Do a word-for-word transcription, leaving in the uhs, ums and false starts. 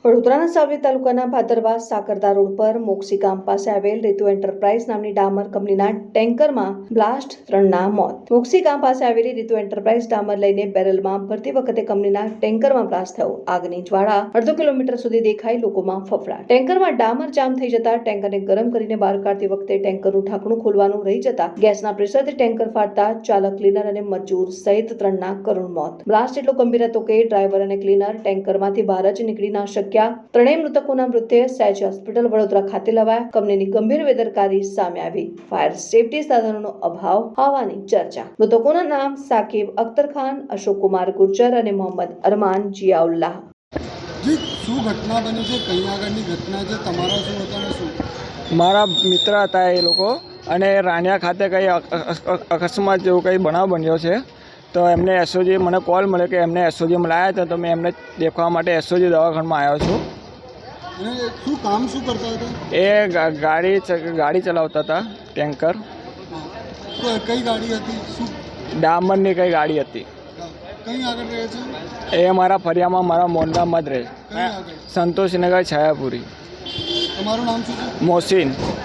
વડોદરાના સાવલી તાલુકાના ભાદરવા સાકરદા રોડ પર મોક્ષી ગામ પાસે આવેલ રીતુ એન્ટરપ્રાઇઝ નામની ડામર કંપનીના ટેન્કરમાં બ્લાસ્ટ, ત્રણના મોત। મોક્ષી ગામ પાસે આવેલી રીતુ એન્ટરપ્રાઇઝ ડામર લઈને બેરલમાં ભરતી વખતે કંપનીના ટેન્કરમાં બ્લાસ્ટ થયો। આગની જ્વાળા અડધો કિલોમીટર સુધી દેખાઈ, લોકોમાં ફફડાટ। ટેન્કરમાં ડામર જામ થઈ જતા ટેન્કરને ગરમ કરીને બહાર કાઢતી વખતે ટેન્કરનું ઢાંકણું ખોલવાનું રહી જતા ગેસના પ્રેશરથી ટેન્કર ફાટતા ચાલક, ક્લીનર અને મજૂર સહિત ત્રણના કરુણ મોત। બ્લાસ્ટ એટલો ગંભીર હતો કે ડ્રાઈવર અને ક્લીનર ટેન્કરમાંથી બહાર જ નીકળી ના શક્યા। ત્રણેય મૃતકોના મૃતદેહ સહેજ હોસ્પિટલ વડોદરા ખાતે લવાયા। કંપનીની ગંભીર બેદરકારી સામે આવી। ફાયર સેફટી સાધનોનો અભાવ હોવાની ચર્ચા। મૃતકોના નામ સાકિબ અખ્તર ખાન, અશોક કુમાર ગુર્જર અને મોહમ્મદ અરમાન જિયાઉલ્લાહ। જી, શું ઘટના બની છે? કઈ આગળની ઘટના છે? તમારા શું હતા ને શું? મારા મિત્ર હતા એ લોકો, અને રાણિયા ખાતે કંઈ અકસ્માત જેવું કંઈ બનાવ બન્યો છે, તો એમને એસઓજી મને કોલ મળ્યો કે એમને એસઓજીમાં લાવ્યા હતા, તો મેં એમને દેખવા માટે એસઓજી દવાખાનામાં આવ્યો છું। અને શું કામ શું કરતા હતા? એ ગાડી ગાડી ચલાવતા હતા, ટેન્કર। તો કઈ ગાડી હતી? શું ડામરની કઈ ગાડી હતી? કઈ આગળ રહે છે? એ મારા ફરિયામાં મારા મોંડામાં જ રહે, કઈ આગળ? સંતોષનગર, છાયાપુરી। તમારું નામ શું છે? મોહસિન।